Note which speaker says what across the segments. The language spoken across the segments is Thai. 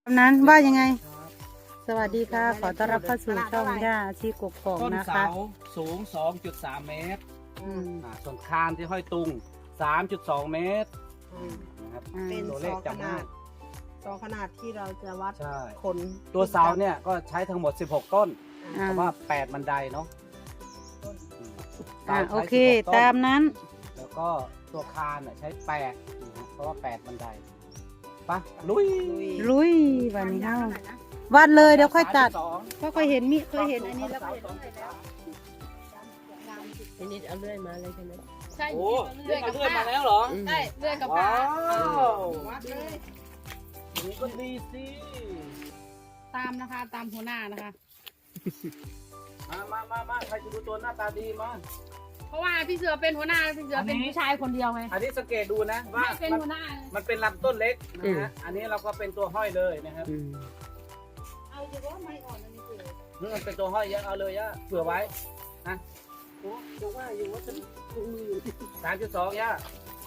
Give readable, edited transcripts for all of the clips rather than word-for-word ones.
Speaker 1: นั้นว่ายังไงสวัสดีค่ะขอต้อนรับเข้าสู่ช่องย่าชีกกอก
Speaker 2: ต้น
Speaker 1: นะคะ
Speaker 2: เสาสูง 2.3 เมตรส่วนคานที่ห้อยตุง 3.2 เมตรนะครับ
Speaker 3: เป็น
Speaker 2: ตัว
Speaker 3: ซ
Speaker 2: เลข
Speaker 3: อข
Speaker 2: จำ
Speaker 3: นา
Speaker 2: ง่าย
Speaker 3: ดซอขนาดที่เราจะวัด
Speaker 2: ใช่
Speaker 3: คน
Speaker 2: ตัวเสาเนี่ยก็ใช้ทั้งหมด 16 ต้น
Speaker 1: อ่า
Speaker 2: แต่ว่า 8 บันไดเนาะเสา
Speaker 1: โอ
Speaker 2: ใช้
Speaker 1: เค
Speaker 2: 16ต้น
Speaker 1: ตามนั้น
Speaker 2: แล้วก็ตัวคานใช้8นะฮะเพราะว่า 8 บันไดปะลุย
Speaker 1: ลุยวันนี้เฮาวัดเลยเดี๋ยวค่อยตัด
Speaker 2: 32
Speaker 1: เพราะเคยเห็นอันนี้แล้วก็เห็นเลยแล้ว
Speaker 4: ทีนี้เอาเลื่อยมาเลยใช่ไหม
Speaker 5: ใช่
Speaker 2: โอ้เลื่อนมาแล้วเหรอ
Speaker 5: ใช่เลื่อยกับ
Speaker 2: ว้า
Speaker 5: ผ้าว
Speaker 3: วัดเลย
Speaker 2: อย่างนี้ก็ดีสิ
Speaker 5: ตามนะคะตามหัวหน้านะคะ
Speaker 2: มาใครจะดูตัวหน้าตาดีมา
Speaker 5: เพราะว่าพี่เสือเป็นหัวหน้าพี่เสือเป็นผู้ชายคนเดียวไง
Speaker 2: อันนี้สังเกตดูนะว่า
Speaker 5: ไม่เป็น
Speaker 2: มัน
Speaker 5: หัวหน้า
Speaker 2: มันเป็นลำต้นเล็กนะฮะ อันนี้เราก็เป็นตัวห้อยเลยนะครับ
Speaker 3: เอาเฉพาะไม้อ่อนอันนี้คือ
Speaker 2: นี่มันเป็นตัวห้อยเยอะเอาเลยย่าเผื่อไว้นะ
Speaker 3: โอ้ยังว่าอยู่ว่าจะถุงมือ
Speaker 2: 3.2ย่า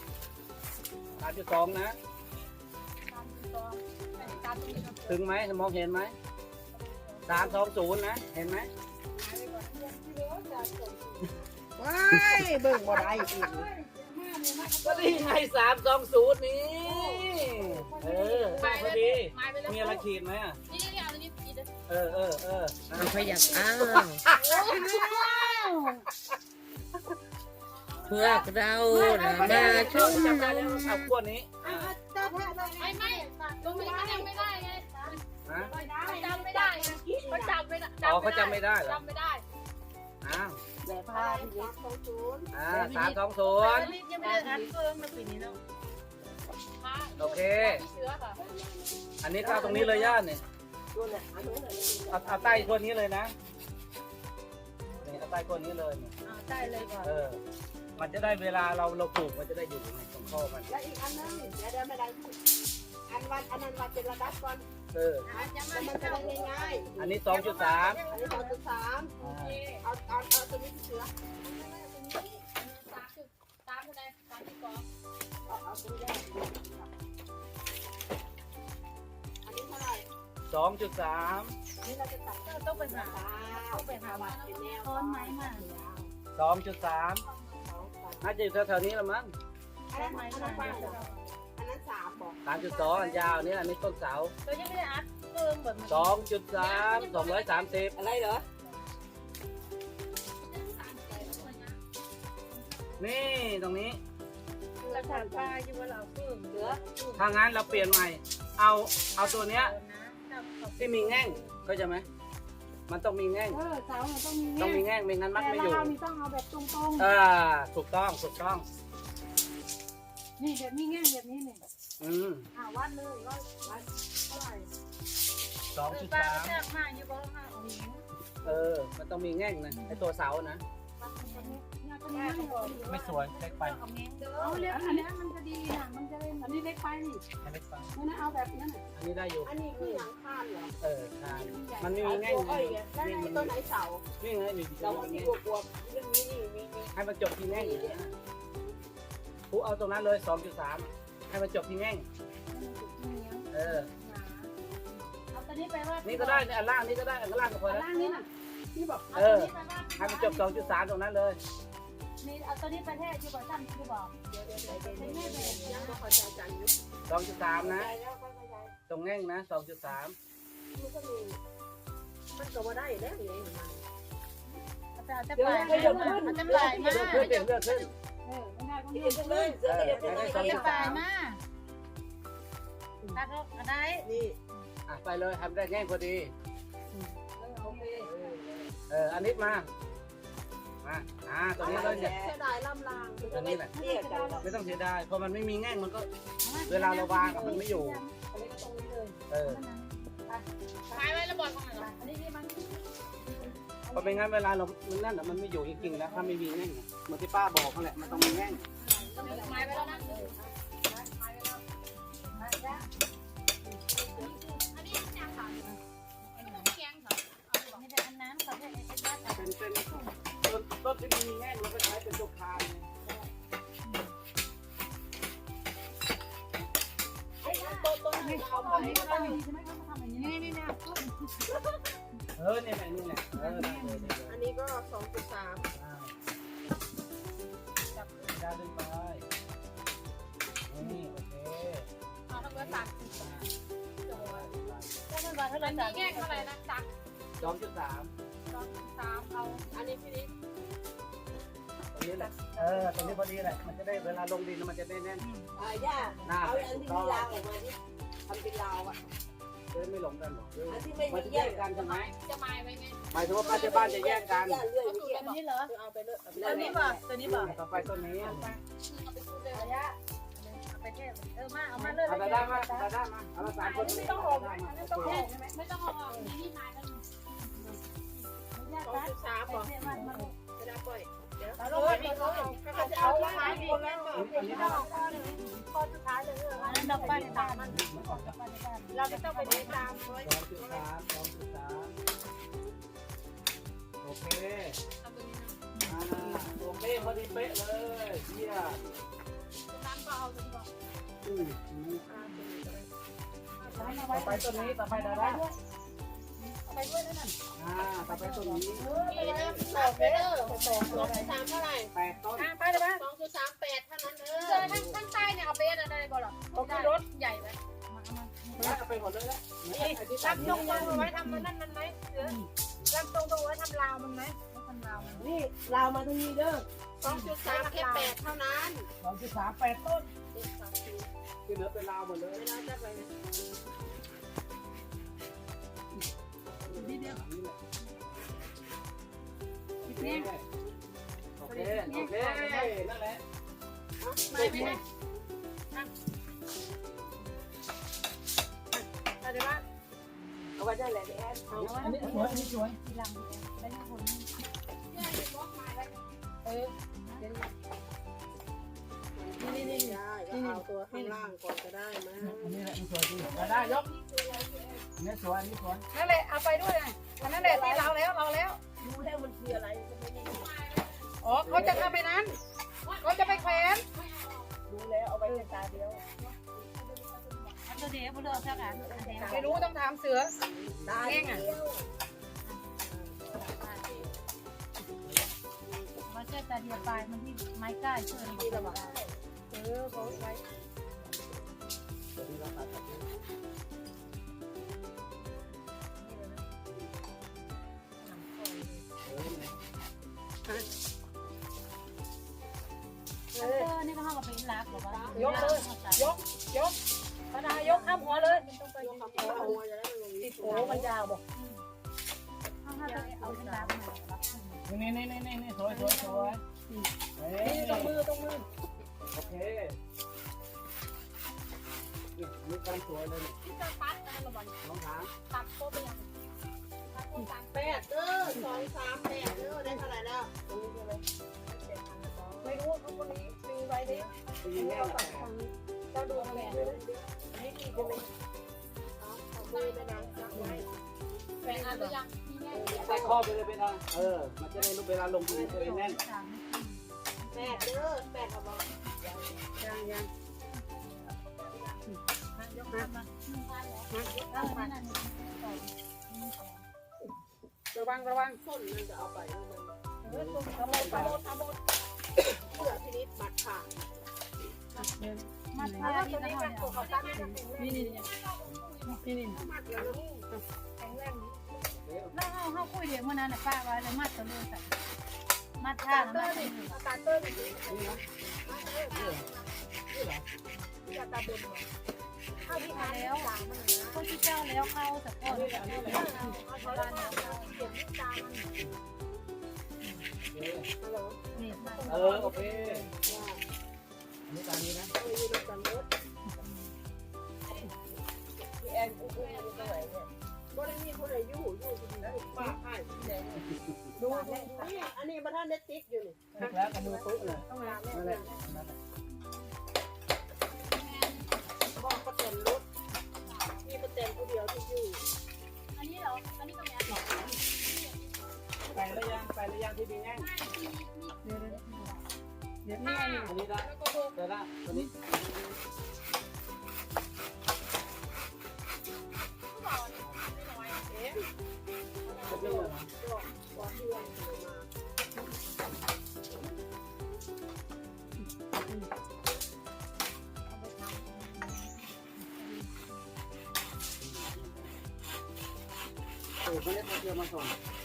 Speaker 2: 3.2นะ ถึงไหมมองเห็นไหม320นะ เห็นไหม
Speaker 3: ว้ายเบิ่งบ่ได้อีก
Speaker 2: ก็นี่ไง320นี่เออได้พอดี มีอะไรขีดไหมอ่ะ
Speaker 5: นี่เอาตัวนี้ขีด
Speaker 2: เอออ่ะ
Speaker 4: เอาขยับอ้าวพวกเรานะมาช่วย
Speaker 2: จำได้แล้วเอาขั้วนี้อ่ะ
Speaker 5: ไม่ตรงนี้มันยังไม่ได้ไง
Speaker 2: ฮะ
Speaker 5: จำไม่ได้เขาจำไม่ได้
Speaker 2: อ๋อเขาจำไม่ได้เหรอ
Speaker 5: จำไม่ได้
Speaker 2: อ้าว
Speaker 3: แบบผ้าที่เล็กของศูนย์
Speaker 2: 320
Speaker 5: ยังไม่ได้อัดเพิ่มในปีนี้แล้ว
Speaker 2: โอเค
Speaker 5: พี่เสือค่ะ
Speaker 2: อันนี้ก็เอาตรงนี้เลยย่าเนี่ย
Speaker 3: ตัวเนี่ยอันนี้เลย
Speaker 2: เอาใต้ตัวนี้เลยนะนี่เอาใต้ตัวนี้เลยเนี่ย
Speaker 5: ได้เลยก่อน
Speaker 2: มันจะได้เวลาเราปลูกมันจะได้อยู่ในตรงข้อมัน
Speaker 3: และอีกอันนึงเดี๋ยวไม่ได้พูดอันวันอันนั้นวันเป็นระดับก่อน
Speaker 5: จะมา
Speaker 3: แต่มันจะได้ง่าย
Speaker 2: อันนี้ 2.3
Speaker 3: ๆอันนี้2.3เอาตัวนี้เสือ
Speaker 5: ตามคนใดตามที่กอง
Speaker 3: เอาตัวแรกอันนี้เท่าไหร่
Speaker 2: 2.3
Speaker 3: นี่เราจะตัด
Speaker 5: ต้องไปหา
Speaker 3: ต้องไปหาวัดเป็นแนว
Speaker 5: ต้นไม้มา
Speaker 2: 2.3น่าจะอยู่แถวๆนี้ละมั้ง
Speaker 3: อันนั้นอันนั้น3บอก
Speaker 2: 3.2 อันยาวเนี่ยอันนี้ต้นเสา
Speaker 5: ตัวยังไม่ได้อัดเพิ่มแบบ
Speaker 2: 2.3 230
Speaker 3: อะไรเหรอ
Speaker 2: นี่ตรงนี้
Speaker 5: ราคาป้าอยู่ว่าเราเพิ่มเหลือ
Speaker 2: ถ้างั้นเราเปลี่ยนใหม่ เอาตัวเนี้ยที่มีแง่งเข้าใจไหมมันต้องมีแง่ง
Speaker 3: เสาต้องมี
Speaker 2: ต้องมีแง่งไม่งั้นมัดไม่อยู่
Speaker 3: เราต้องเอาแบบตรง
Speaker 2: ถูกต้อง
Speaker 3: ๆนี่แบบมีแง่แบบนี้เนี่ย วัดเลยวัดเท่าไหร่
Speaker 5: ป้า
Speaker 2: 2.3
Speaker 5: แทบมากอยู่บ้างค่ะของหญิง
Speaker 2: มันต้องมีแง่งนะไอตัวเสานะ ไม่สวยเล็กไป
Speaker 3: เอาเล็กอันนี้มันจะดีนะมันจะเล่นอันนี้เล็กไปนี่
Speaker 2: เล็กไป
Speaker 3: มันเอาแบบนั้น
Speaker 2: อันนี้ได้อยู่
Speaker 3: อันนี้คือหลังคาเหรอ
Speaker 2: ใช่มันไม่มีแง่ง
Speaker 3: แล้วในต้นไหนเสา
Speaker 2: นี่ไงนี่
Speaker 3: เราที่บวกเรื่องนี้นี่มี
Speaker 2: ให้มันจบที่แง่งผูเอาตรงนั้นเลย 2.3 ให้มันจบที่แง่ง
Speaker 5: เอาตัวนี้ไปว่า
Speaker 2: นี่ก็ได้อันล่างนี่ก็ได้อันล่างก็พอแล้ว
Speaker 3: ล่างนี้น่ะที่บอก
Speaker 2: ให้มันจบ 2.3 ตรงนั้นเลย
Speaker 5: นี่เอาตัวนี้ไปแท้อยู่บ่ซ้ำอยู่บ่
Speaker 3: ยังไม่พอใจจังยุบ
Speaker 2: 2.3 นะ
Speaker 3: แล้วก็ขยาย
Speaker 2: ตรงแง่งนะ 2.3
Speaker 3: มันก็มีมันก็ว่าได้แล้วไงมัน
Speaker 5: จะปลายจะปลายมา
Speaker 2: เลือกขึ้นเลือกขึ้น
Speaker 3: ไม่ได้ก็มีเลยเสือเดี๋ยว
Speaker 2: ให้
Speaker 5: จะ
Speaker 2: ได้
Speaker 5: ปลาย
Speaker 2: 2.3
Speaker 5: มาตัดออกได้
Speaker 3: นี่
Speaker 2: ไปเลยทำได้แง่งพอดี
Speaker 3: โอเค
Speaker 2: อันนี้มาตรงนี้เลยเนี่ย
Speaker 3: เสียดายลำลาง
Speaker 2: ตัวนี้แหละ
Speaker 3: เนี่ยกัน
Speaker 2: ไม่ต้องเสียดายเพราะมันไม่มีแง่งมันก็เวลาเราวางมันไม่อยู่
Speaker 3: อันนี้ก็ตรงนี้เลย
Speaker 5: ปลายไว้แล้วบอลของไหน
Speaker 3: อันนี้นี่มัน
Speaker 2: เพราะไม่งั้นเวลาเรามันนั่นมันไม่อยู่จริงๆแล้วถ้าไม่มีแง่งเหมือนที่ป้าบอกนั่นแหละมันต้องมีแง่ง
Speaker 5: ปลายไว้แล้วนะอันนี้แกงค่ะแกงค่ะไม่ได้อันนั้นเขาแค่ไอ้บ้าน
Speaker 2: เป็นต้นที่มีแง่งเราก็ใช้เป็นตัวคาน
Speaker 3: ต้นนี้เขาใช่ไหมเขาทำอย่างนี้นี่นะ
Speaker 2: เออนี่แหละนี่แหละเออได้เลยได้เลย
Speaker 4: อันนี้ก็2.3
Speaker 2: จับได้ดึงไปนี่โอเค
Speaker 5: เอาทั้งเบอร์สั่ง
Speaker 3: แล้วมันมาเท่าไห
Speaker 5: อั
Speaker 3: ร่
Speaker 5: นนี้แยกเท่าไหร่นะสั่ง
Speaker 2: 2.3
Speaker 5: 2.3เอาอันนี้พี่นิด
Speaker 2: ตรงนี้แหละตรงนี้พอดีแหละมันจะได้เวลาลงดินมันจะได้แน่น
Speaker 4: ย่า
Speaker 2: หน้า
Speaker 4: เอาอันที่มีราวออกมาที่ทำเป็นราวอ่ะ
Speaker 2: จะได้ไม่หลงกันหรอก
Speaker 4: อันที่ไม่
Speaker 2: มัน
Speaker 4: มี
Speaker 2: จะ
Speaker 4: แย
Speaker 2: แย
Speaker 4: ก
Speaker 2: กกันใช่ไหม
Speaker 5: จะมายไว้ไง
Speaker 2: หมายถึงว่าป้าที่บ้านจะแยกกัน
Speaker 4: ย่าเลื่อย
Speaker 5: ก็
Speaker 4: เมื่อ
Speaker 5: สูต
Speaker 4: กี้
Speaker 5: ร
Speaker 3: อันนี้เหรอ
Speaker 4: เอาไปเลย
Speaker 3: ตัวนี้บ่ตัวนี้บ่
Speaker 2: ต่อไปต้นนี้
Speaker 5: เอาไปสูตรเลย
Speaker 3: ระยะเอาไปแค่มาเอามาเลย
Speaker 2: เอาได้มาได้มาเอาละ3 คน
Speaker 3: ไม่ต้องออกนะไม่ต้องออกใช่ไหม
Speaker 5: ไม่ต้องเอาออกนี่มายกัน
Speaker 3: ระยะตัด
Speaker 4: 2.3บอก
Speaker 3: เนี่ยมัน
Speaker 4: เวลาปล่อย
Speaker 3: เราลงไปดีเขาจะเอาไม้ดีแล้ว
Speaker 2: อันนี้
Speaker 3: ไม่ต้องข้อหนึ่งข้อสุดท้ายเลยอันนั้นดอกไม้ตามมันเราไม่ต้องไปเดินตามเลย
Speaker 2: 2.3โอเค
Speaker 5: เอาตัวนี้นะ
Speaker 2: โอเคพอดีเป๊ะเลยเยี่ยม
Speaker 5: ตั้งก็เอาตัวนี้ก่อน
Speaker 2: ต่อไปต้นนี้ต่อไปได้แล้ว
Speaker 3: ไปด้วยนั่น
Speaker 2: ต่อไปต้นนี้
Speaker 5: นี่นะต่อไปเด้อ2.3เท่าไหร่
Speaker 2: 8 ต้น
Speaker 3: ไปเลยบ้าง
Speaker 5: 2.38เท่านั้นทั้งใต้เนี่ยเอาไปอะไรบ่หรอรถใหญ่ไหม
Speaker 2: แล้วเอาไปหมดเลยแล้ว
Speaker 3: รับตรงเอาไว้ทำมันนั่นมันไหมรับตรงเอาไว้ทำราวมันไหมทำราวมัน
Speaker 4: นี่ราวมาทางนี้เด้อ
Speaker 5: 2.3แค่8เท่านั้น
Speaker 2: 2.38 ต้นที่เหลือเป็นราวหมดเลย
Speaker 5: เวลาจะไป
Speaker 3: นิดเดียว
Speaker 2: นี่โอเคโอเคนั่นแหละ
Speaker 5: ไม่ได้
Speaker 3: อะไรบ้าง
Speaker 4: เอาไว้ได้แหละแอน
Speaker 2: อันนี้สวยอันนี้สวย
Speaker 3: ทีหลังได้ทุกคน
Speaker 5: เนี่ยบล็อกมาไว้
Speaker 4: นี่เอาตัวข้างล่างก่อนก็ได้มั้ย
Speaker 2: อันนี้แหละมันสวยจริงได้ยกอันนี้สวยอันนี้สวย
Speaker 3: นั่นแหละเอาไปด้วยอันนั้นแหละที่เราแล้ว
Speaker 4: รู้แล้วมันคืออะไรก็ไม่ได้
Speaker 3: อ๋อเขาจะทำไปนั้นเขาจะไปแขวน
Speaker 4: รู้แล้วเอาไว้เป็นตาเดียว
Speaker 3: ตัวเดียวเลือกสักอันไม่รู้ต้องถามเสือ
Speaker 4: ตาเดียว
Speaker 3: ว่าเจ้าตาเดียวปลายมันที่ไม้ก้าเชื่อที่ระบาดเขาไว้ นี่ก็ห้องกับเป็นรักหรือว่ายกเลยยกกระดายกข้ามหัวเลย
Speaker 4: ยกคำพูดเอาไว้จะได้ลง
Speaker 3: ติดโอ้มันยาวบอกห้องห้าจะเอาเป็นรักมารับ
Speaker 2: นี่สวยสวยสวยนี่ตรงมือโอเคนี่การสวยเลย
Speaker 5: ที่จะปัดนะระวัง
Speaker 2: น้องหาง
Speaker 5: ตัดโต๊ะไปยังตัดโต๊ะตัด
Speaker 4: 8เด้อ238เด้อได้เท่าไหร่แล้วตรงนี้ใช่ไหมไม่รู้เขาคนนี้ซื้อไว้ดิ
Speaker 2: ตีแน่
Speaker 4: เจ้าดูอะไรนี่ดีจังเลยเอามือไปนะรักไว้
Speaker 5: แบ่งอันหรือยังมีแน่
Speaker 2: ใส่ข้อไปเลยเป็นทางมันจะได้เวลาลงดินจะได้แน่น
Speaker 4: 8เด้อ8เอาบอก
Speaker 3: ยังยกมาระวัง
Speaker 4: ส้นมันจะเอาไปมัน
Speaker 3: ขโมย
Speaker 4: เพื่อพินิจมัดขาด
Speaker 3: มาทาที่นี่มันตัวเขาตั้งนี่
Speaker 4: มัดแล้วนี่แข็งแรงนี้
Speaker 3: แล้วเขาคุยเดี๋ยววันนั้นป้าไว้เลยมัดตัวเลือใส่มัดท่าแล้วมัด
Speaker 4: ตาเตอร์นี่จะตาบนเข้าที่ทางแล้ว
Speaker 3: คนที่เจ้าแล้วเข้าแต่ก่อน
Speaker 4: เอาเขาบ้านเราเสียงตามัน
Speaker 3: นี่
Speaker 2: โอเคนี่ตามนี้นะ
Speaker 4: ยืนกันรถพี่แอนกูกูอยู่ตรงไหนเนี่ยบ่ได้มีคนไหนอยู่ที่นี่ป้าให้ดูนี่อันนี้บ้านเน็ตติ๊กอยู่นี่
Speaker 2: แล้วกับมือปุ๊บเลย
Speaker 4: ต้องล้าง
Speaker 2: นั่น
Speaker 4: แม่
Speaker 2: แหละ
Speaker 4: บอกประเต็นรถมีประเต็นผู้เดียวที่อยู่
Speaker 5: อันนี้เหรออันนี้ก็แม่หรอ
Speaker 2: ไปแล้วยังที่ดีแน่
Speaker 3: เดี๋ยวนี่
Speaker 2: อันนี้ได้เดี๋ยวละตัวนี้จะเป็นอะไรโอ้เขาเรียกเรือมาส่ง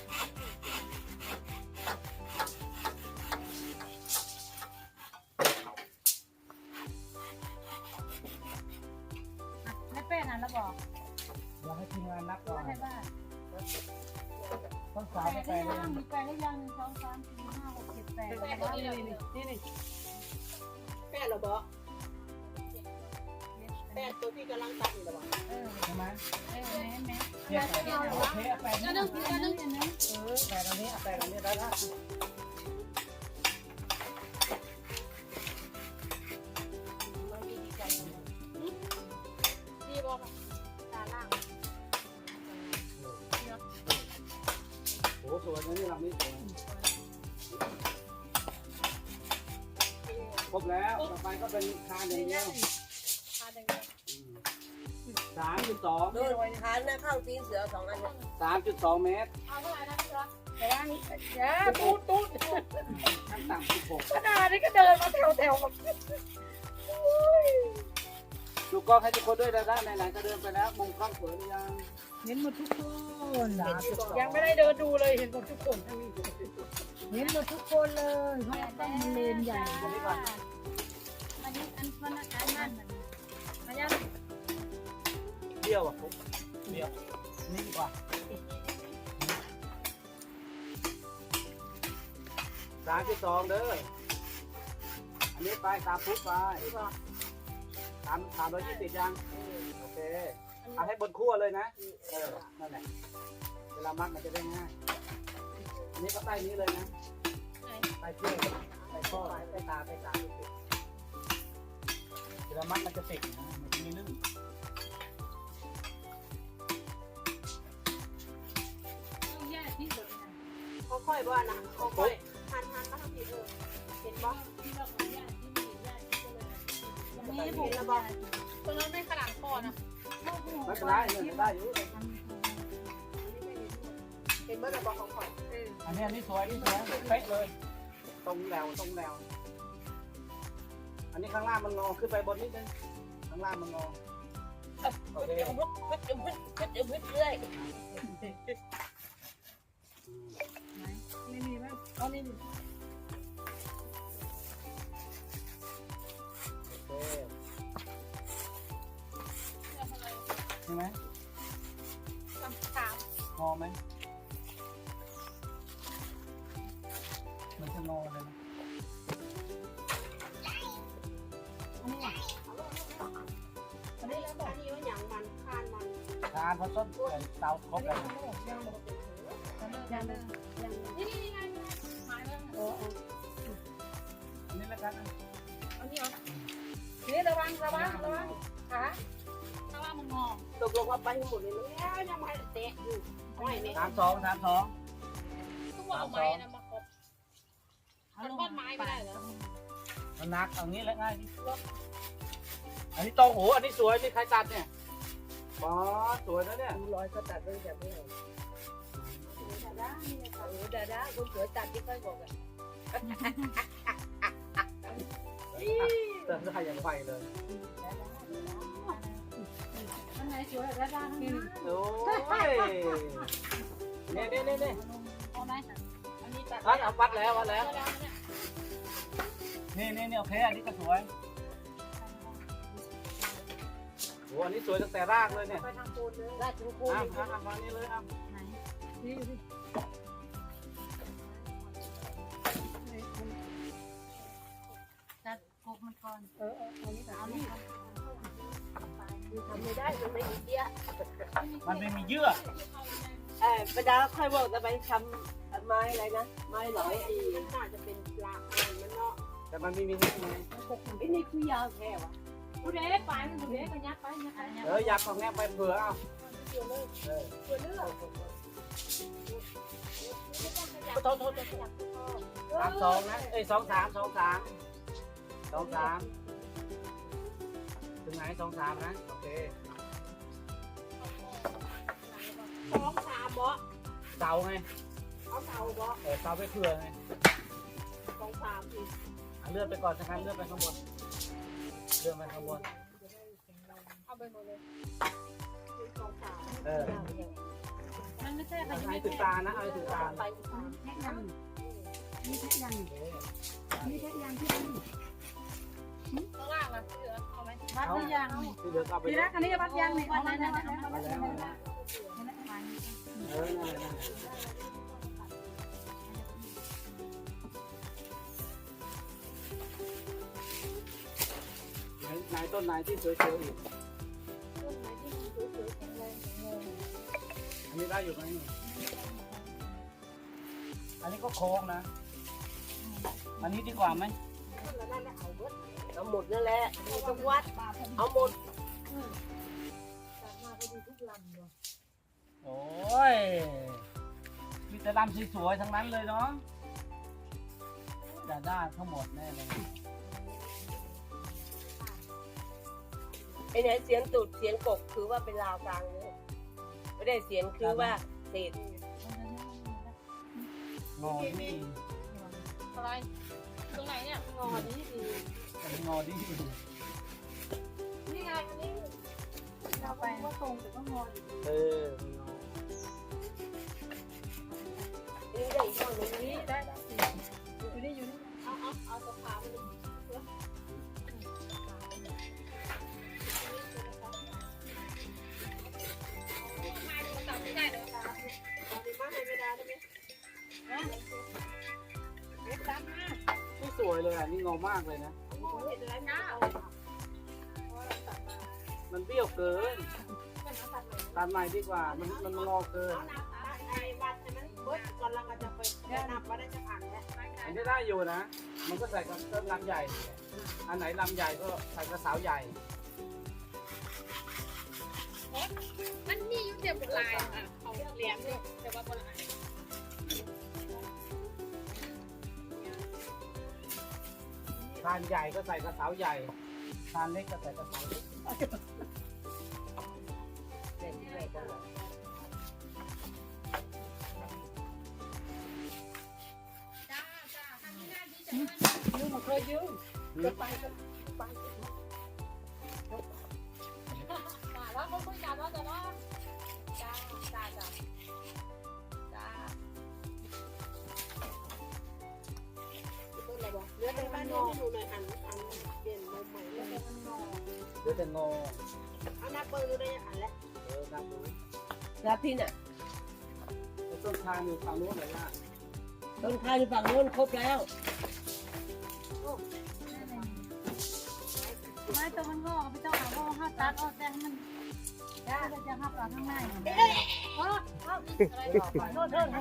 Speaker 3: ไม่เป็นอันแล้วบอก
Speaker 2: เราให้ทีมงานนับก่อน
Speaker 3: ว่าให้บ้าน
Speaker 2: ต้องสาว
Speaker 3: แป
Speaker 2: ไป
Speaker 3: ด
Speaker 2: เล
Speaker 3: ได้
Speaker 2: ย
Speaker 3: ยังมีแปดได้ยัง1 2 3 4 5 6 7 8นี่
Speaker 4: แป้เราบอกแป้ตัวที่กำลังตัดอยู่หรอ
Speaker 2: ใช่ไหม
Speaker 3: แม่
Speaker 2: เทียบกันโอเคแปด
Speaker 3: อั
Speaker 2: นี่
Speaker 3: นนึง
Speaker 2: แปดอันนี้แปดอันนี้ได้แล้ว
Speaker 5: ดีบอกตาล่าง
Speaker 2: โอ้สวยนะนี่ลำนี้สวยครบแล้วต่อไปก็เป็นคานอย่างเดียว
Speaker 5: พาเดิน
Speaker 2: 3.2
Speaker 4: โดยทานนะเข้าตีนเสือ2 อัน
Speaker 2: 3.2 เมตร
Speaker 5: เอาเท่าไหร่นะพี่จ๊ะ
Speaker 3: แต่ว่าอย่าตูด
Speaker 2: ขั้นต่ำ16
Speaker 3: ขนาดนี้ก็เดินมาแถวแบบ
Speaker 2: ดูกล้องให้ทุกคนด้วยนะไหนๆก็เดินไปแล้วมุมกล้องสวยหรือยัง
Speaker 1: เห็นหมดทุกคน
Speaker 3: ยังไม่ได้เดินดูเลยเห็นหมดทุกคน
Speaker 1: เห็นหมดทุกคนเลยเพราะต้องมันเลนใหญ่
Speaker 3: อันนี้อันคนอาการนั่นมายัง
Speaker 2: เดี่ยวอ่ะเดี่ยวนี่ดีกว่า3.2 เด้ออันนี้ไปตามพุทธไป320ยังโอเคเอาให้บนขั้วเลยนะนั่นแหละเวลามัดมันจะได้ง่ายอันนี้ก็ใต้นี้เลยนะใต้เชือกใต้ข้อใต้ตาเวลามัดมันจะติดนะมันจะไม่ลื่น
Speaker 3: ต้องแยกที่สุดนะ
Speaker 4: ค่อยๆว่านะค่อยๆหันมาทางนี้เห็นบ่
Speaker 3: ที่เราขอแยกที่มีแยกที่เลย
Speaker 4: มีบุกนะบ่
Speaker 5: ตรงนั้นไม่ขนาดคอนะ
Speaker 2: ไม่เป็นไรเนี่ยได้อยู่
Speaker 4: เห็นบ่ระบอกของข่อย
Speaker 2: อันนี้สวยเป๊ะเลยตรงแนวอันนี้ข้างล่างมันงอขึ้นไปบนนิดนึงข้างล่างมันงอโอเค
Speaker 4: เรื่อย
Speaker 3: ไม่มีมั้ยเอานี่
Speaker 2: โอเคใช่ไหม
Speaker 5: ถาม
Speaker 2: งอไหมมันจะงอเลยนะ
Speaker 4: อันนี้แล้วอันนี้ว่าหยังมันคานมัน
Speaker 2: ทานเพราะต้นเตาครบแล้ว
Speaker 3: ยังเลย
Speaker 5: นี่ไงหมายแล้ว
Speaker 2: อันนี้แล้วกัน
Speaker 5: เอานี่เหรอ
Speaker 3: นี่ระวังขา
Speaker 5: ถ้าว่ามันงอ
Speaker 4: ตกลงว่าไปให้หมดเลยแล้วยังไม่เตะอยู่ไม่เนี่ย
Speaker 2: 32
Speaker 5: ทุกว่าเอาไม้นะมาครบมันทอดไม้ไม่ได้เหรอ
Speaker 2: มันนักเอางี้แล้วง่ายที่อันนี้ตรงโอ้อันนี้สวยนี่ใครตัดเนี่ยบอสสวยนะเนี่ย
Speaker 4: ดูรอยก็ตัดไว้แบบนี้ดาด้าคนสวยตัดที่ค่อยบอกอ่ะ
Speaker 2: เติมได้อย่างไวเลย
Speaker 3: อันไหนสวยแล้วด้านนี้
Speaker 2: โอ้ยนี่
Speaker 5: เอาไหมอันนี้ตัด
Speaker 2: เอาวัดแล้ว
Speaker 5: เนี่ย
Speaker 2: นี่โอเคอันนี้ก็สวยโอ้อันนี้สวยตั้งแต่รากเลยเนี่ย
Speaker 4: ไปทางโคนเลยราชโคน
Speaker 2: มานี่เลยอ่ะ
Speaker 3: จัดโคกมันก่อน
Speaker 4: เอานี่ทำไม่ได้มันไม่มีเดีย
Speaker 2: มันไม่มีเยื่อ
Speaker 4: ประดาค่อยบอกจะไปทำไม้อะไรนะไม้หลอยดีน่าจะเป็นปลาอะไรมันเนาะ
Speaker 2: แต่มันไม่มีนี่ไง
Speaker 4: ไอ้นี่คือยาวแค่วะ
Speaker 3: ผู้เด็กไปมันผู้เด็กไปยักไปยักไปยัก
Speaker 2: อยากของแง่ไปเผื่อเอา
Speaker 4: ตัวเลือก
Speaker 2: 32นะ23ถึงไหน23นะโอเคไง
Speaker 4: เอาเสาบ่
Speaker 2: เสาไปเผื่อไง
Speaker 4: 2 3ที
Speaker 2: เลื่อนไปก่อนสักครั้งเลื่อนไปข้างบนเลื่อนไปข้างบน
Speaker 5: เอาไปหมดเลย
Speaker 4: 2 3
Speaker 3: มันไม่ใช่
Speaker 2: เอาให้ถึงตานะเอาให้ถึงตา
Speaker 4: ไป
Speaker 3: แค่ยังมีแค่ยังมีแค่ยังที่
Speaker 5: ข้างล่างล่ะที่เหลือเอาไหม
Speaker 3: วัดหรือยัง
Speaker 2: ที่เหลือเอาไป
Speaker 3: ทีแรกอันนี้วัดยังนี่เอามาแล้ว
Speaker 2: มาแล้วนั่นแหละนั่นแหละไหนต้นไหนที่สวยๆอีก
Speaker 4: ต้นไม้ที่มันสวยๆแข็งแรง
Speaker 2: อันนี้ได้อยู่ไหมอันนี้ก็โค้งนะอันนี้ดีกว่าไหม
Speaker 4: ต้นละนั่นแหละเอาหมดนั่นแหละมีทุกวัดเอาหมด
Speaker 2: โอ้ยมีแต่ลำสวยๆทั้งนั้นเลยเนาะจะได้ทั้งหมดแน่เลย
Speaker 4: ไอ้เนี่ยเสียงตุดเสียงกบคือว่าเป็นลาวกลางเลยไม่ได้เสียงคือว่าเศษ
Speaker 2: งอดี
Speaker 5: อะไรตรงไหนเนี่ย
Speaker 4: งอนี้ดี
Speaker 2: งอดี
Speaker 5: นี่ไงอันนี้
Speaker 3: เราไปว่าตรงแต่ก็งออยู่
Speaker 2: เออ
Speaker 4: นี่ได้อีกต้นนึงนี่
Speaker 3: ได้อยู่นี่อยู่นี่
Speaker 4: เอาตะขาบไป
Speaker 5: มาดูตัดไม่ได้เลย
Speaker 4: เอาไปมาให้ไม่ได้ได้ไหม
Speaker 2: ไม่สวยเลยอ่ะนี่งอมากเลยนะ
Speaker 4: เห็นแล้วนะ
Speaker 2: มันเบี้ยวเกินตัดใหม่ดีกว่ามันงอเกิน
Speaker 4: เอาน้ำไอ้วัดให้มันเบิดก่อนเราก็จะไปนับว่าได้จะผ่านแล้ว
Speaker 2: อันนี้ได้อยู่นะ มันก็ใส่กับต้นลำใหญ่ อันไหนลำใหญ่ก็ใส่กระเสาใหญ่
Speaker 5: มันนี่ยุ่งเดียวกับลายอ่ะเขาเลี้ยงเนี่ยแต่ว่าบนลาย
Speaker 2: ทานใหญ่ก็ใส่กระเสาใหญ่ทานเล็กก็ใส่กระเสาเล็ก
Speaker 5: จ้าทำนี่น่าดีจังเลย
Speaker 3: ยืมมาเคยยืม
Speaker 4: จะไปก็ไป
Speaker 5: มาแล้วก็คุยกันว่าจะว่าจ้าจ้าจ้าจ้า
Speaker 4: ต้นอะไรบอกเดี๋ยวไปบ้านนี้ให้ดูหน่อยอันเปลี่ยนมุมใหม่แล้วมันงอ
Speaker 2: เดี๋ยวจะงอ
Speaker 4: เอาหน้าเปิดดูได้อันแล้ว
Speaker 2: นับดู
Speaker 4: แล้วพี่น่ะ
Speaker 2: ต้นทางอยู่ฝั่งนู้นเลยนะ
Speaker 4: ต้นข้าวอยู่ฝั่งนู้นครบแล้ว
Speaker 3: ไม่ตัวมันงอกไม่ต้องเอาห้าตัดออกแต่ให้มันได้จะห้าตัดข้างใน
Speaker 5: โทษโทษ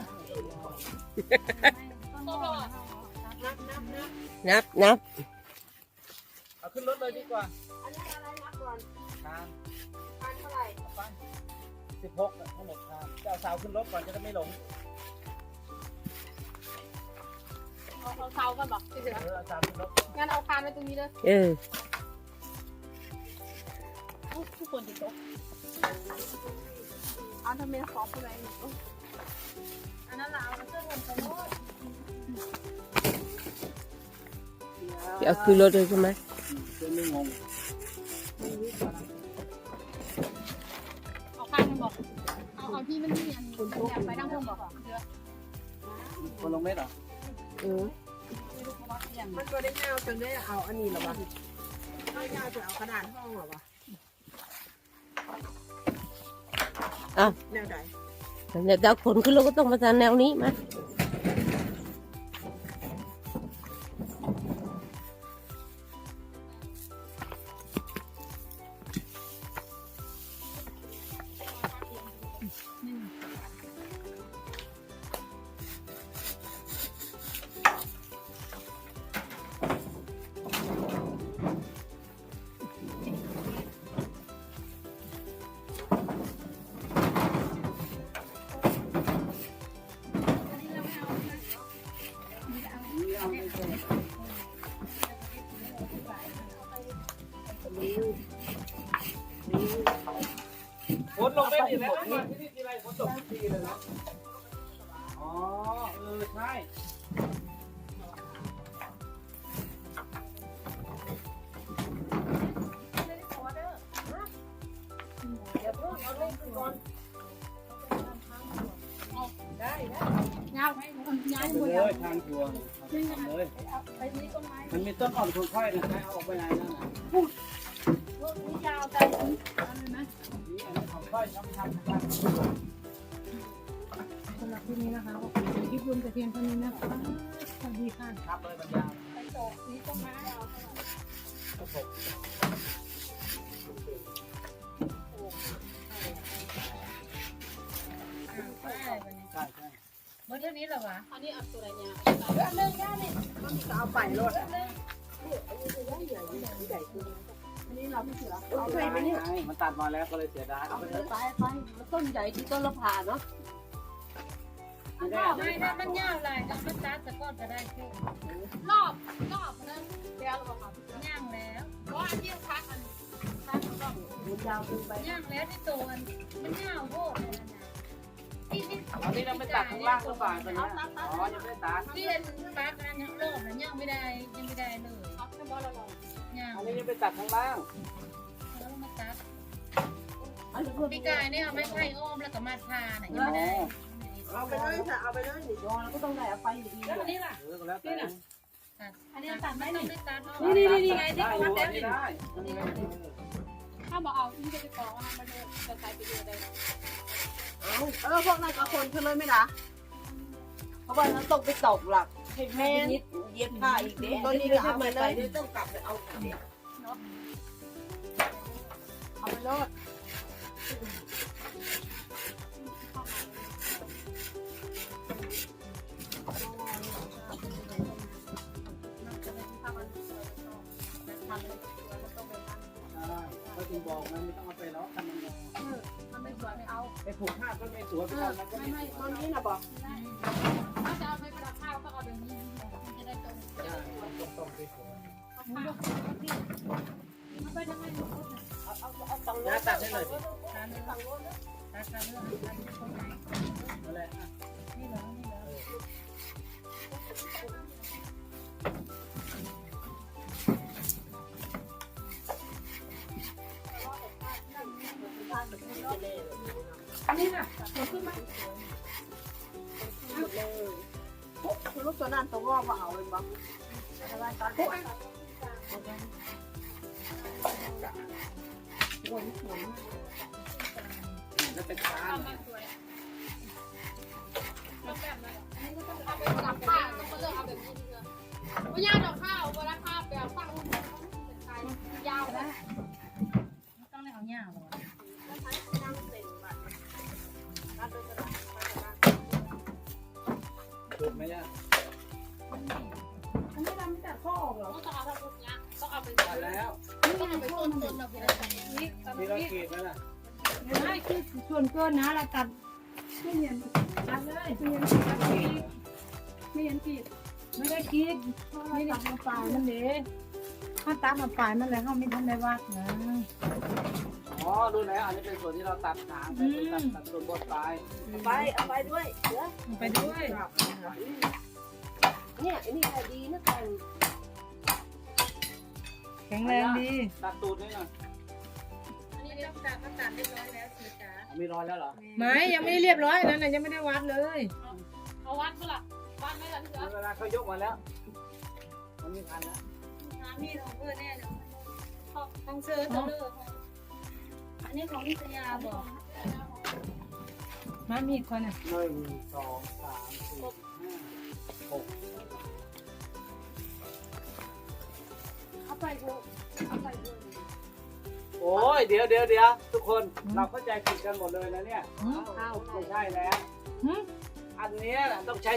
Speaker 4: นับ
Speaker 2: เอาขึ้นรถเลยดีกว่า
Speaker 4: อันนี้อะไรนับก่อน
Speaker 2: ทาง
Speaker 4: พันเท่าไหร่
Speaker 2: ไป16ทั้งหมดทางจะเอาเสาขึ้นรถก่อนจะได้ไม่หลง
Speaker 5: เอาเสากันบอกที่เหลือ
Speaker 2: เอาเสาขึ้นรถก่อน
Speaker 5: งั้นเอาคานไว้ตรงนี้เลย ทุกคนติดโต๊ะ
Speaker 4: เอาทำไมขอผู้ใด
Speaker 3: อันนั้นเราเอาเสื้อผมไปโน้ต
Speaker 4: เอาคือรถเลยใช่ไหม
Speaker 2: จะไม่งง
Speaker 5: เอาคานกันบอกเอาที่มันนี่อันอยากไปนั่งเพิ่มบอกเดือ
Speaker 2: คนลงเม็ดเหรอ
Speaker 4: มันก็ได้เงาจนได้เอาอันนี้หรอวะเอาเงาจะเอากระดานห้องหรอวะอ้าวแนวใดเดี๋ยวเอาขนขึ้นรถก็ต้องมาทางแนวนี้มา
Speaker 2: อ๋อใช่
Speaker 4: เดี๋ยวเพิ่งเอาลงขึ้นก่อนได้
Speaker 3: เงาให้เงา
Speaker 2: ไป
Speaker 3: หมด
Speaker 2: เล
Speaker 3: แล้ว
Speaker 2: ยทางชัวร์ทำเลย
Speaker 3: ไปนี้ต้นไม้
Speaker 2: มันมีต้นอ่อนคนค่อยนะใครเอาออกไปไหนนั่นน่ะ
Speaker 3: นี่ยาวแต่อะไรนะ
Speaker 2: นี่อันนี้ของค่อยทำ
Speaker 3: สำหรับที่นี้นะคะก็ขอคลิปรวมแต่เพียงเท่านี้นะคะสวัสดีค่ะ
Speaker 2: ครับเลยบรรยาย
Speaker 3: ไปตกนี้ต้นไม้เอา
Speaker 2: ครับผม
Speaker 3: ไปวันนี้
Speaker 2: ใช่ใช่
Speaker 3: เมื่อเท่านี้เหรอวะ
Speaker 5: อันนี้เอาตัวอะไรเนี่ย
Speaker 3: อันนึงได้เลย
Speaker 4: มันก็เอาไปรถอันนี้ใหญ่ขึ้นอันนี้เราไม่เสือเอาไปไหมเนี่ย
Speaker 2: มันตัดมาแล้วก็เลยเสียดายเอาไปเลย
Speaker 4: ไปมันต้นใหญ่ที่ต้นละผ่าเนาะ
Speaker 2: ไม่ได้
Speaker 3: ไม่ได้มันยาวลายกับมันตัดแต่ก้อนก็ได้แค่
Speaker 5: รอบนั้นเดี๋ยวเราบอก
Speaker 3: ย่างแล้ว
Speaker 5: เพราะอันที่พักอันพักต้อง
Speaker 4: มันยาวขึ้นไป
Speaker 3: ย่างแล้วที่ตัวมันยาวโคตรเลยนะที่
Speaker 2: อันนี้เราไม่ตัดข้างล่างก็ฝ่ายไปนะอ๋อยังไม่ได้ตัด
Speaker 3: ที่เป็นปลาการยังรอบนะย่างไม่ได้ยังไม่ได้เลย
Speaker 5: เอาแค่บอลเราลอง
Speaker 3: ย่าง
Speaker 2: อันนี้ยังไม่ตัดข้างล่าง
Speaker 3: แล้วมาตัด
Speaker 4: อันนี้เพิ่ม
Speaker 3: ปีกายเนี่ยเอาไม้ไผ่อ้อมแล้วก็มาทาน่ะยังไม่ได้
Speaker 4: เอาไปเลยค่ะเอาไปเลยนี่ยอแล้วก็ต้องได้เอาไปอยู่ดี
Speaker 3: แล้วอันนี้ล่ะ
Speaker 2: แล้วแต่
Speaker 3: อันนี้ตัดไม่ต้องได้ตัด
Speaker 2: นี่ไงที่เขาวัดแล้วนี่ได้
Speaker 5: ถ้าบอกเอาที่จะไปกองอันนั้นมันจะใส่ไปเรื่อยได้
Speaker 4: พวกนั้นกับคนเธอเลยไม่ด่าเพราะว่านั้นตกไปตกหลักให้แม่เย็บผ้าอีกเด้ตอนนี้ก็เอาไปเลยต้องกลับไปเอาเด็กเอาไปรอด
Speaker 2: ก็ถึงบอกมันไม่ต้องเอาไปแล้วทำมัน
Speaker 5: มันไม่สวยไม่เอา
Speaker 2: ไปผูกผ้าก็ไม่สวยไปทำมันก็ไม่
Speaker 4: ตอนนี้นะบอก
Speaker 5: ถ้าจะเอาไปประดับข้าวก็เอาแบบนี้มันจะได้ตรง
Speaker 2: ต้องไปผูก
Speaker 5: มันไปทำไมหนูพูด
Speaker 4: เอาตังค์
Speaker 2: น้าตัดให้หน่อยสิ
Speaker 3: ตัดตัดเรื่องตัดคนไหน
Speaker 2: นั่นแหละ
Speaker 3: นี่เหรอนี่เหรอ
Speaker 4: อันนี้น่ะลูกตัวนั้นตัวว่าเอาเลยบ้างอะไรตอนนี้
Speaker 2: แล้วเป็นฟ้า
Speaker 5: เอามาสวยแล้วแบบนั้นนี่ก็ต้องเอาไปประดับข้าวต้องมาเลือกเอาแบบนี้ดีกว่าไม่ยากดอกข้าวเวลาข้าวแบบตั้งรูปเป็นไทยยาวนะ
Speaker 3: ต้องได้เอาหญ้าหรอ
Speaker 2: ถูกไหมย่า
Speaker 4: อันนี้เราไม่ตัดข้อออกเหรอ
Speaker 5: ต้องเอาแบบนี้ต้องเอาไป
Speaker 2: ตัดแล้ว
Speaker 3: นี่ไงต้นเราเป็นอะไรนี่
Speaker 2: มีเราขีดแล้วน่ะ
Speaker 3: ไม่คือส่วนเกินนะเราตัดไม่เห็นตัดเลยไม่เห็นตัดไม่เห็นกีดไม่ได้กีดไม่ได้ตัดมาปลายมันเลยถ้าตัดมาปลายมันเลยเขาไม่ทันได้วัดนะ
Speaker 2: อ๋อดูแล้วอันนี้เป็นส่วนที่เราตัดหางไปตัดส่วนบดปลาย
Speaker 4: เอาไปด้วยเดี๋ยว
Speaker 3: ไปด้วย
Speaker 4: เนี่ยอันนี้ดีนะกัน
Speaker 3: แข็งแรงดี
Speaker 2: ตัดตูดนี่หน่อย
Speaker 3: อันนี้เรียบตัดก็ตัดเรียบร้อยแล้วสีจ๋า
Speaker 2: มีรอยแล้วเหรอ
Speaker 3: ไม่ยังไม่ได้เรียบร้อยนั่นน่ะยังไม่ได้วัดเลย
Speaker 5: เอาวัดเมื่อไหร่วัดไม่ได้ที่เหลือ
Speaker 2: เวลาเขายกมาแล้วมันมีพันแล้ว
Speaker 3: น้ำมีของเพื่อนแน่เลยของเสื้อตัวเลือกอันนี้ของนิตยาบอกมามีคนอ่ะ
Speaker 2: 1 2 3 4 5 6
Speaker 4: เอาไปด้วยเอาไปด้วย
Speaker 2: โอ้ยเดี๋ยวทุกคนเราเข้าใจผิดกันหมดเลยนะเนี่ยไม่ใช่แล้วอันเนี้ยต้องใช้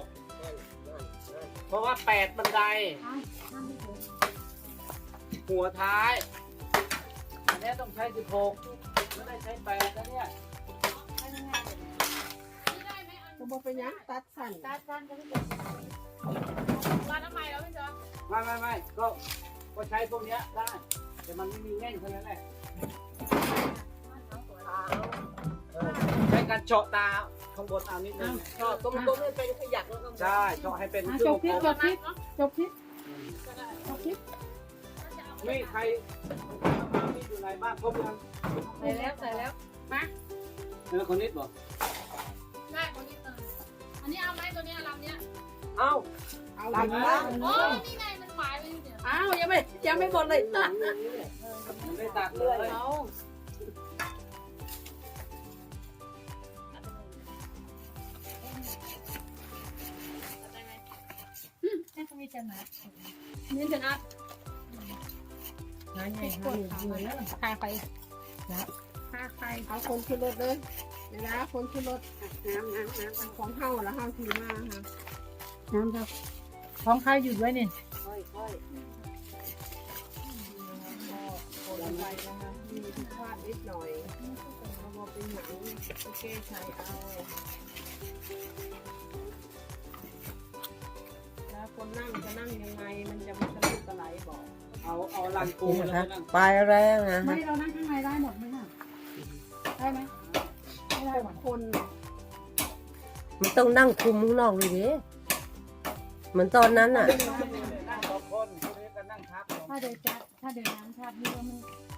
Speaker 2: 16เพราะว่า8บันไดหัวท้ายอันเนี้ยต้องใช้16ไม่ได้ใช้8นะเนี่ย
Speaker 4: จะบอกไปยังตัดสั่น
Speaker 5: วัดทำไมแล้วพี่จ๊ะ
Speaker 2: ไม่ก็ใช้พวกเนี้ยได้แต่มันไม่มีแง่งเท่านั้นแหละใช้การเจาะตาข้างบนเอานิดนึง
Speaker 4: ก็กลมๆให้เป็นขยักแล้วก็
Speaker 2: ใช่เจาะให้เป็น
Speaker 3: จบคลิปจบคลิปจบคลิป
Speaker 5: ก็ได้
Speaker 3: จบคลิป
Speaker 2: นี่ใครนี่อยู่ไหนบ้างครบยัง
Speaker 3: ใส่แล้วมา
Speaker 2: คนนิดบอก
Speaker 5: ได้คนนี้เลยอันนี้เอาไหมตัวนี้ลำเนี้ย
Speaker 4: เอา
Speaker 2: ตามนะ
Speaker 5: โอ้นี่ไงมันหมายไว้อยู่เนี่ย
Speaker 3: อ้าวยังไม่หมดเลย
Speaker 2: มันได้ตัดเลย
Speaker 3: เอาให้เขามีจะนัดนี่จะนัดงานใหญ่งานใหญ่แล้วพาไปพาไป
Speaker 4: เอาคนขึ้นรถเลยเวลาคนขึ้นรถน้ำของเฮาแล้วเฮาถือมาค่ะ
Speaker 3: น้ำครับของใครหยุดไว้เนี่ย
Speaker 4: ค่อยๆคนไปนะคะมีผิดพลาดนิดหน่อยเอามาเป็นหนังโอเคใช้เอาแล้วคนนั่งจะนั่งยังไงมันจะไม่ทะลุกระไหลบอก
Speaker 2: เอาลังปู
Speaker 6: นี่
Speaker 2: แล้ว
Speaker 6: นะ
Speaker 2: ก็นั่ง
Speaker 6: ปลายแรงนะ
Speaker 3: ไม่เรานั่งข้างในได้หมดไหมคะได้ไหมไม่ได้หมด
Speaker 4: คน
Speaker 6: มันต้องนั่งคุมข้างนอกเลยดิเหมือนตอนนั้นอ่ะ
Speaker 2: นั่งสองคนคนนี้ก็นั่งทับ
Speaker 3: ถ้าเดินจัดถ้าเดินน้ำชาบนี่ว่ามัน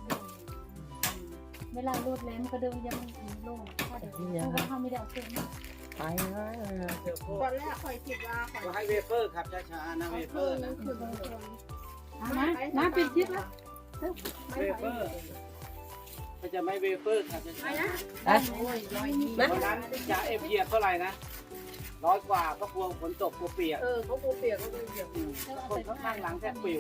Speaker 3: เวลาโลดแล่นก็เดินยังมันโล่งถ้าเดินเพราะว่าเขาไม่ได้เอาเครื่องมา
Speaker 6: ไปแล้วนะ
Speaker 2: เดี๋ยวพว
Speaker 4: ต
Speaker 2: ก
Speaker 4: อนแรกคอยคิดว่าคอย
Speaker 2: ก็ให้เวเฟอร์ขับช้าๆนะเวเฟอร์นะ
Speaker 4: ขึ้นคน
Speaker 3: น้ำปิดคลิปแล้ว
Speaker 2: เวเฟอร์มันจะไม่เวเฟอร์ขับช้าๆ
Speaker 6: นะ
Speaker 2: เพราะนั้นจะเอฟเหยียบเท่าไหร่นะ100 กว่าก็กลัวฝนตกกลัวเปียก
Speaker 4: เขาปูเปียกเขาดูเปียก
Speaker 2: คนข้างหลังแทบปิว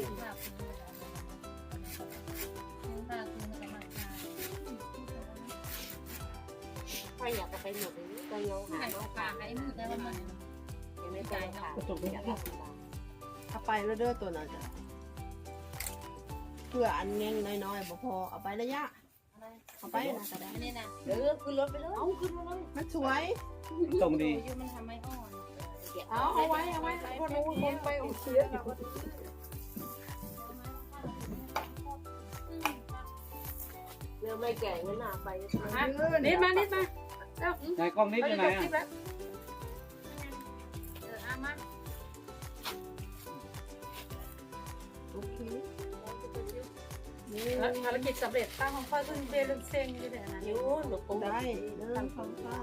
Speaker 4: ใครอยากจะไปหมดเลยก็ยองหาน้อง
Speaker 5: ปากให้มือแต่ว่ามัน
Speaker 4: ยังไม่ใจค่ะเอาไปแล้วเด้อตัวนั้นเพื่ออันเงี้ยน้อยๆบ่พอเอาไประยะเอาไปนะก็ได้
Speaker 5: อันนี้นะ
Speaker 4: ขึ้นรถไปเลยเอาขึ้นมาเลยมันสวย
Speaker 2: ตรงดี
Speaker 5: อยู่มันทำไม่อ่อน
Speaker 4: เอาไว้คนนู้นคนไปอุ้มเสีย เรือไม่แก่งั้นน่ะไป
Speaker 3: นิดมา
Speaker 2: ไหนกล้องนิดอยู่ไหนอ่ะ
Speaker 5: เอามา
Speaker 4: โอเค
Speaker 3: ภารกิจสำเร็จป้าของพ่อซึ่งเบลุเซงนี่แหละนะ
Speaker 4: ยูนหนูคงได้เริ่มความข้าม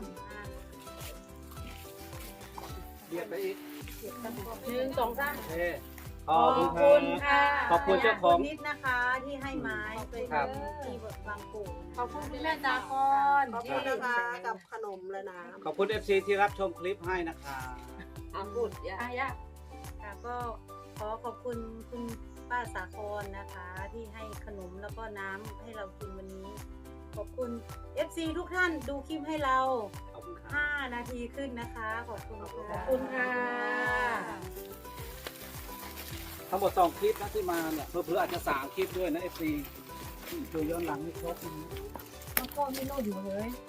Speaker 2: เบียดไปอีก
Speaker 3: 1 2 3
Speaker 2: โอเคขอบคุณครับ ขอบคุณเจ้าของ
Speaker 1: นิดนะคะที่ให้ไม้ไป
Speaker 2: ครับ
Speaker 1: ที่บางปู่
Speaker 3: ขอบคุณคุณแม่จากร
Speaker 4: ขอบคุณนะคะกับขนมและน้
Speaker 2: ขอบคุณ FC ที่รับชมคลิปให้นะคะ
Speaker 4: ำอาพูดอย่า
Speaker 3: อายะ
Speaker 1: ค่ะก็ขอขอบคุณคุณป้าสาครนะคะ ที่ให้ขนมแล้วก็น้ำให้เรากินวันนี้ ขอบคุณ FC ทุกท่านดูคลิปให้เรา
Speaker 2: ขอบคุณครับ
Speaker 1: 5 นาทีขึ้นนะคะ ขอบคุณค่ะ
Speaker 3: ขอบคุณค่ะ
Speaker 2: ทั้งหมด2 คลิปนะที่มาเนี่ยเพื่ออาจจะ3 คลิปด้วยนะ FC ดูย้อนหลังให้ครบนะ
Speaker 3: มันก็ไม่โลดอยู่เลย